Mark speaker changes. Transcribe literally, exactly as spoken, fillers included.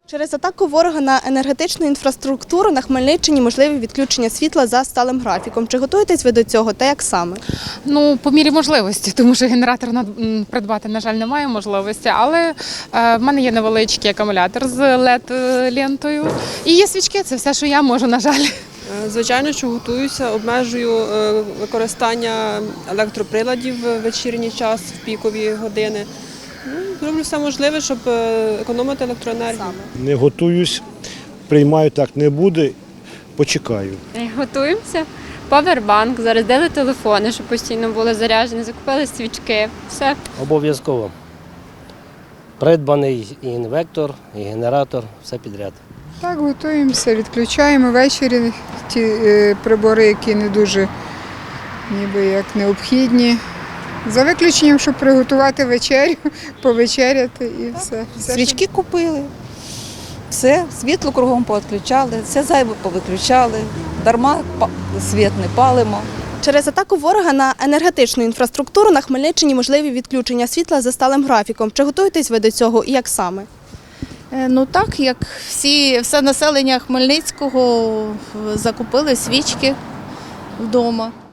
Speaker 1: Через атаку ворога на енергетичну інфраструктуру на Хмельниччині можливі відключення світла за сталим графіком. Чи готуєтесь ви до цього та як саме?
Speaker 2: Ну, по мірі можливості, тому що генератор придбати, на жаль, немає можливості, але е, в мене є невеличкий акумулятор з лед-лентою і є свічки, це все, що я можу, на жаль.
Speaker 3: Звичайно, що готуюся, обмежую використання електроприладів в вечірній час, в пікові години. Ну, роблю все можливе, щоб економити електроенергію.
Speaker 4: Не готуюсь, приймаю, так не буде, почекаю.
Speaker 5: Готуємося. Павербанк, зарядили телефони, щоб постійно були заряджені, закупили свічки, все.
Speaker 6: Обов'язково. Придбаний і інвектор, і генератор, все підряд.
Speaker 7: Так, готуємося, відключаємо ввечері ті е, прибори, які не дуже ніби як необхідні. За виключенням, щоб приготувати вечерю, повечеряти і все. все
Speaker 8: Свічки купили, все, світло кругом повідключали, все зайве повиключали, дарма світ не палимо.
Speaker 1: Через атаку ворога на енергетичну інфраструктуру на Хмельниччині можливі відключення світла за сталим графіком. Чи готуєтесь ви до цього і як саме?
Speaker 9: Ну так, як всі, все населення Хмельницького закупили свічки вдома.